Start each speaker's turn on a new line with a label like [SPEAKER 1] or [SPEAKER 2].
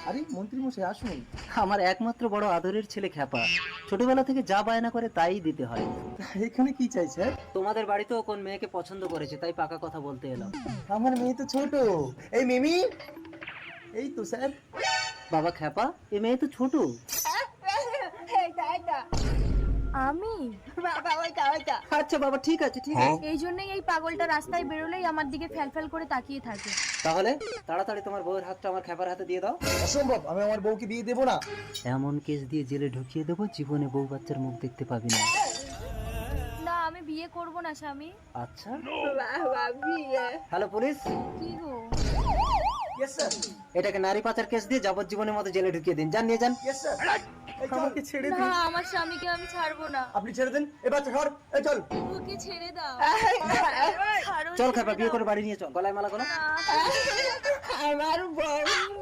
[SPEAKER 1] আরে মন্ত্রী মশাই আসুন।
[SPEAKER 2] আমার একমাত্র বড় আদরের ছেলে খ্যাপা, ছোটবেলা থেকে যা বায়না করে তাই দিতে হয়।
[SPEAKER 1] এখানে কি চাই স্যার?
[SPEAKER 2] তোমাদের বাড়িতেও কোন মেয়েকে পছন্দ করেছে, তাই পাকা কথা বলতে এলাম।
[SPEAKER 1] আমার মেয়ে তো ছোট। এই মিমি, এই তো স্যার।
[SPEAKER 2] বাবা খ্যাপা, এ মেয়ে তো ছোট।
[SPEAKER 3] আমি
[SPEAKER 2] আচ্ছা বাবা, ঠিক আছে ঠিক আছে।
[SPEAKER 3] এই জন্যই এই পাগলটা রাস্তায় বেরোলেই আমার দিকে ফ্যাল করে তাকিয়ে থাকে।
[SPEAKER 2] তাহলে তাড়াতাড়ি তোমার বউয়ের হাতটা আমার খ্যাপার হাতে দিয়ে দাও।
[SPEAKER 1] অসম্ভব, আমি আমার বউকে বিয়ে দেবো না।
[SPEAKER 2] এমন কেস দিয়ে জেলে ঢুকিয়ে দেবো, জীবনে বউ বাচ্চার মুখ দেখতে পাবি না।
[SPEAKER 3] না, আমি বিয়ে করব না স্বামী।
[SPEAKER 2] আচ্ছা, হ্যালো পুলিশ,
[SPEAKER 3] কি গো?
[SPEAKER 1] ইয়েস স্যার,
[SPEAKER 2] এটাকে নারী পাচার কেস দিয়ে যাবজ্জীবনের মতো জেলে ঢুকিয়ে দিন, যান নিয়ে যান।
[SPEAKER 1] Yes sir. আমাকে ছেড়ে
[SPEAKER 3] না,
[SPEAKER 1] দিন।
[SPEAKER 3] আমার স্বামীকে আমি ছাড়বো না।
[SPEAKER 1] আপনি ছেড়ে দেন। এ বাচ্চা সর, এই চল।
[SPEAKER 3] ওকে ছেড়ে দাও। ছাড়ো,
[SPEAKER 2] চল
[SPEAKER 3] ছেড়ে
[SPEAKER 2] খ্যাপা, বিয়ে
[SPEAKER 3] দাও।
[SPEAKER 2] করে বাড়ি নিয়ে চল, গলায় মালা গলা।
[SPEAKER 3] না।
[SPEAKER 4] আমার বউ